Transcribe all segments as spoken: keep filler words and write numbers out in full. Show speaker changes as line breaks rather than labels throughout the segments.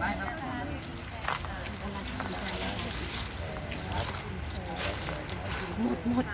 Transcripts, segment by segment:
ได้ครับ
หมดหมด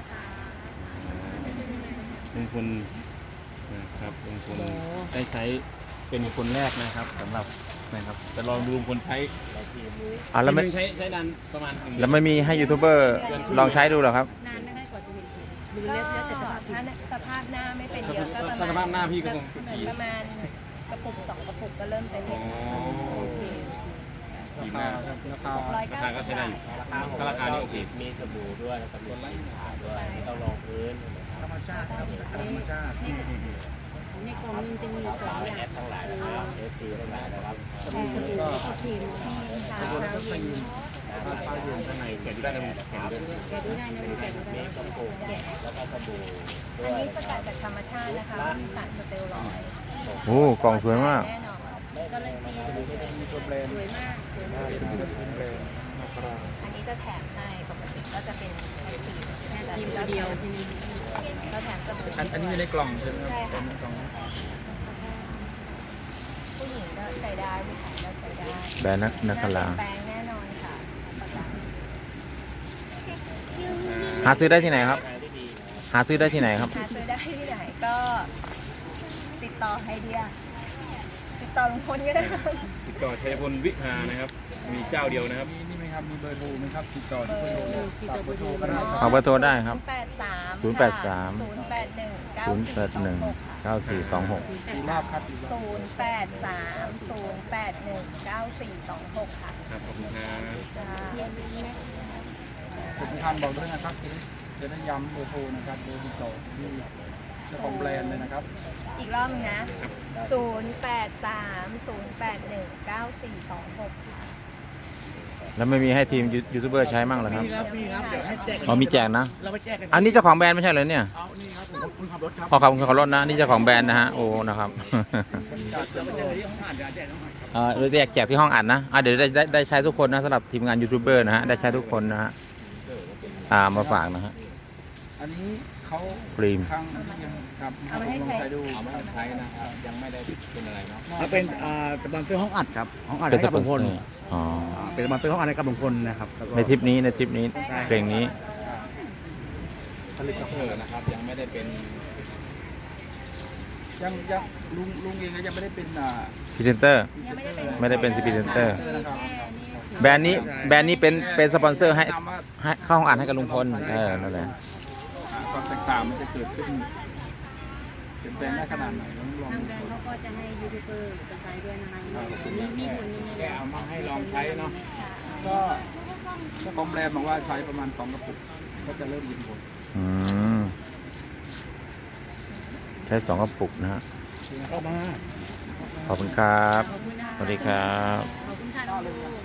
ลุงพลนะครับลุงพลได้ใช้เป็นคนแรกนะครับสำหรับนะครับจะลองดูลุงพลใช้
อ่ะแล้วไม่
ใช้ใช้ดันประมาณหนึ่ง
แล้วไม่มีให้ยูทูบเบอร์ลองใช้ดูเหรอครับ
นานนะคะกว่าจะเห็นผลหรือ
ก็
แล้วแต่สภาพ
ถ้าสภาพหน้าไม่เป็นเยอะก็ประ
ถ้าส
มา
ภาพ
ณ
หน้าพี่ก็คงดี
ประมาณกระปุกสองกระปุกก็เริ่มเต็ม
อ๋อ
โอเค
ดีมาก
ราคา
ร้อย
รา
เก้า
คาก็
สิบ
ใช้ได้
บา
อยู่
ท
ถ้าราคานี่โอเค
มีสบู่ด้วยแล้วก็มีขาด้วยไม่ต้องรองพื้น
ธรรมชาติครับธรรมชาติ
ในกล่องมันจะมีส
สา
อง
ว
อ
แอย่าง ปทั้งหลายนะครับเอฟซีทั้งหลายนะครับ
สบู่แล้วก็ครีม
เช้า
ข้าวเย็น
ข้างในแกะดูได้นะแกะดูได้
แกะดูได้นะแกะดู
มี
ได้
กระปุกแล้วก็สบู่ด้
อั
วน ย
นี้สกัดจากธรรมชาตินะคะไม่มีสารสเตียรอยด์
โอ้กล่องสวยมาก
แน่นอน
การันตีสวยมากสวยมาก
อันนี้จะแถมให้ปกติก็จะเป็นแค่ครีม
แค่ครีมตัวเดียวใช่ไหม
ก็แถมสบู่
อันอันนี้อยู่ในกล่องใช่ไหมครับ
ใช่ค่ะ
ในกล่อง
ผู้หญิงก็ใช้ได้ผู้ชายก็ใช้ได้
แบรนด์นักนักกลา
แปลงแน่นอนค่ะประกัน
หาซื้อได้ที่ไหนครับ
ขายได้ดีนะ
หาซื้อได้ที่ไหนครับ
หาซื้อได้ที่ไหนก็ติดต่อให้เดียติดต่อลุงพลก็ได้
ติดต่อชัยพลวิภานะครับ มีเจ้าเดียวนะครับ
มีนี่ไหมครับ มีเบอร์โทรไหมครับ ติดต่อที่เบอร์โทร
ติดต่อเบอร์โทร
ก็ได้ครับ
เอาเบอร์โทรได้ครับ
แปดสาม
ศูนย์แปดสาม
ศูนย์แปดหนึ่ง
ศูนย์แปดหนึ่งเก้าสี่สองหก
สี่รอบครับสี่รอบ
ศูนย์แปดสามศูนย์แปดหนึ่งเก้าสี่สองหกค่ะ
ครับขอบคุณครับ
จ้า
ผมคันบอกด้วยนะครับจะได้ย้ำเบอร์โทรนะครับเบอร์ติดต่อที่เจ้าของแบรนด์เลยนะครับ
อีกรอบนึงนะศูนย์แปดสามศูนย์แปดหนึ่งเก้าสี่สองหกค่ะ
แล้วไม่มีให้ทีมยูยูทูบเบอร์ใช้มั่งเหรอครับ
มีครับมีครับเดี๋ยวให้แจก
อ๋อมีแจกนะ
เราไปแจกกัน
อันนี้เจ้าของแบรนด์ไม่ใช่เหรอเนี่ย
เอานี่ครับผมคุณขับรถครับ
พอขับคุณขับรถนะนี่เจ้าของแบรนด์นะฮะ โอ้ นะครับ
จะไปเจอที่ห้องอ่านเดี๋ยวแจกห้องอ่านครับ
เอ่อเราแจกแจกที่ห้องอัดนะอ่ะเดี๋ยวได้ได้ได้ใช้ทุกคนนะสำหรับทีมงานยูทูบเบอร์นะฮะ ได้ใช้ทุกคนนะฮะ อ่า มาฝากนะฮะ
อันนี้เขา
ครีม
ทางยังครับ
เอาไปให้ใช้
ลองใช้ดู
เอามาใช้นะครับยังไม่ได้เป็นอะไรเนาะ
ถ้าเป็นอ่าสปอนเซอร์ห้องอัดครับห้องอัด
เป็น
ให้
ส
กับ
ปอ
ลุ
น
ง
เซ
พ
อ
ล
ร์อ๋อ
อ่าเป็นสปอนเซอร์ห้องอัดให้กับลุงพลนะครับแล้วก็
ในทริปนี้ในทริปนี้เพลงนี้
ผลิตเซอร์นะครับยังไม่ได้เป็น
ยังยังลุงลุงเองก็ยังไม่ได้เป็นอ่า
พรีเซนเตอร์
ยังไม่ได้เป็น
ไม่ได้เป็นพรีเซนเตอร์
คือแค่นี้เฉย
แบรนด์นี้แบรนด์นี้เป็นเป็นสปอนเซอร์ให้
แนะนำว่า
ให้เข้าห้องอัดให้กับลุงพล เออ นั่นแหละ
อ่าความแตกต่างมันจะเกิดขึ้นเปลี่ยนแปลงได้ขนาดไหนต้องลอง
ทาง
ดู
แบรนด์เขาก็จะให้ยูทูบเบอร์ไปใช้ด้วยนะคะมีมีผลยังไง
แกเอามาให้ลองใช้เนาะ
ก็เจ้าของแบรนด์บอกว่าใช้ประมาณสองกระปุกก็จะเริ่มเห็นผล
อืม ใช้สองกระปุกนะฮะ
เข้ามา
ขอบคุณครับ
ขอบคุณนะ
สวัสดีครับ
ขอบคุณค่ะน้องลูก